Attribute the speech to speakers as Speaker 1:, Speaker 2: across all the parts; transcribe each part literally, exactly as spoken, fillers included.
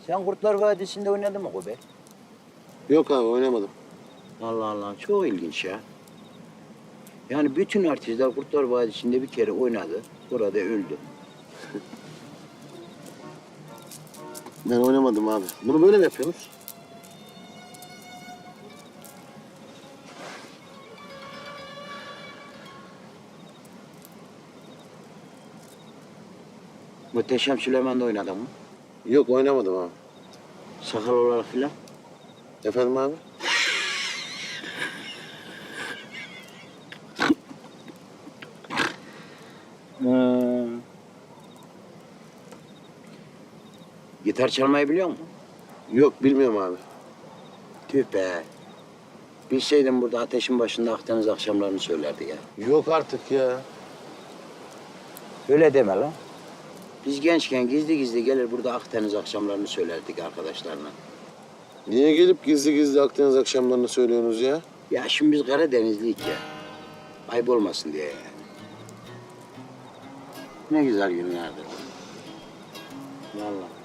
Speaker 1: Sen Kurtlar Vadisi'nde oynadın mı Kobe?
Speaker 2: Yok abi oynamadım.
Speaker 1: Allah Allah, çok ilginç ya. Yani bütün artistler Kurtlar Vadisi'nde bir kere oynadı, burada öldü.
Speaker 2: Ben oynamadım abi. Bunu böyle mi yapıyorsunuz?
Speaker 1: Muhteşem Süleyman'da oynadın mı?
Speaker 2: Yok oynamadım abi.
Speaker 1: Sakal olarak filan.
Speaker 2: Efendim abi?
Speaker 1: Hmm. Gitar çalmayı biliyor musun?
Speaker 2: Yok bilmiyorum abi.
Speaker 1: Tüh be. Bilseydim burada ateşin başında Akdeniz akşamlarını söylerdi ya.
Speaker 2: Yok artık ya.
Speaker 1: Öyle deme lan. Biz gençken gizli gizli gelir burada Akdeniz akşamlarını söylerdik arkadaşlarla.
Speaker 2: Niye gelip gizli gizli Akdeniz akşamlarını söylüyorsunuz ya?
Speaker 1: Ya şimdi biz Karadenizliyik ya. Ayıp olmasın diye yani. Ne güzel günlerdi. Vallahi.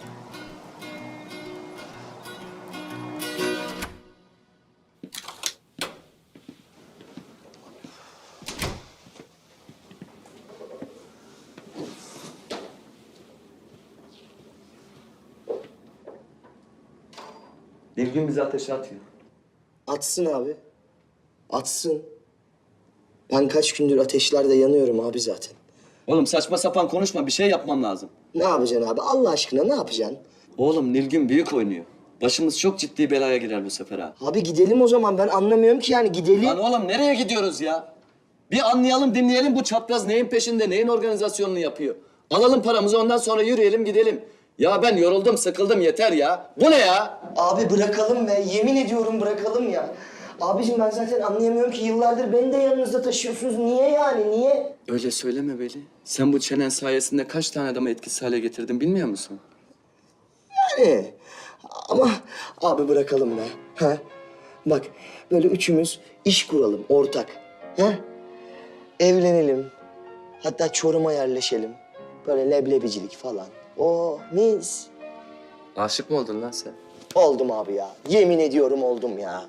Speaker 3: Nilgün bizi ateşe atıyor.
Speaker 4: Atsın abi. Atsın. Ben kaç gündür ateşlerde yanıyorum abi zaten.
Speaker 3: Oğlum saçma sapan konuşma, bir şey yapmam lazım.
Speaker 4: Ne yapacaksın abi? Allah aşkına ne yapacaksın?
Speaker 3: Oğlum Nilgün büyük oynuyor. Başımız çok ciddi belaya girer bu sefer ha.
Speaker 4: Abi gidelim o zaman. Ben anlamıyorum ki yani gidelim.
Speaker 3: Lan oğlum nereye gidiyoruz ya? Bir anlayalım, dinleyelim bu çapraz neyin peşinde, neyin organizasyonunu yapıyor. Alalım paramızı, ondan sonra yürüyelim gidelim. Ya ben yoruldum, sıkıldım, yeter ya. Bu ne ya?
Speaker 4: Abi bırakalım be. Yemin ediyorum bırakalım ya. Abicim ben zaten anlayamıyorum ki yıllardır beni de yanınızda taşıyorsunuz. Niye yani? Niye?
Speaker 3: Öyle söyleme Veli. Sen bu çenen sayesinde kaç tane adamı etkisiz hale getirdin bilmiyor musun?
Speaker 4: Yani. Ama abi bırakalım be. Ha? Bak böyle üçümüz iş kuralım ortak. Ha? Evlenelim. Hatta Çorum'a yerleşelim. Böyle leblebicilik falan. Oh mis.
Speaker 3: Aşık mı oldun lan sen?
Speaker 4: Oldum abi ya. Yemin ediyorum oldum ya.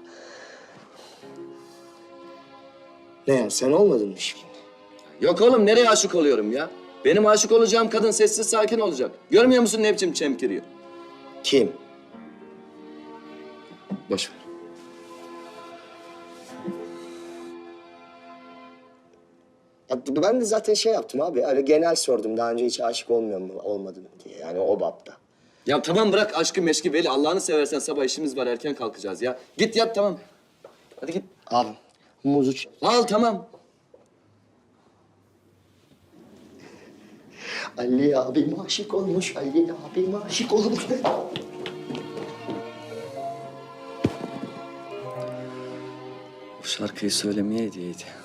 Speaker 4: Ne ya sen olmadın mı şimdi?
Speaker 3: Yok oğlum nereye aşık oluyorum ya? Benim aşık olacağım kadın sessiz sakin olacak. Görmüyor musun ne biçim çemkiriyor?
Speaker 4: Kim?
Speaker 3: Boş ver.
Speaker 4: Ya ben de zaten şey yaptım abi. Öyle genel sordum. Daha önce hiç aşık olmuyor mu, olmadın mı diye. Yani o bapta.
Speaker 3: Ya tamam bırak aşkı meşki Veli. Allah'ını seversen sabah işimiz var erken kalkacağız ya. Git yat tamam. Hadi git.
Speaker 4: Abi muzu ç-
Speaker 3: Al tamam.
Speaker 4: Ali abim aşık olmuş. Ali abim aşık olmuş.
Speaker 3: Bu şarkıyı söylemeye hediyeydi.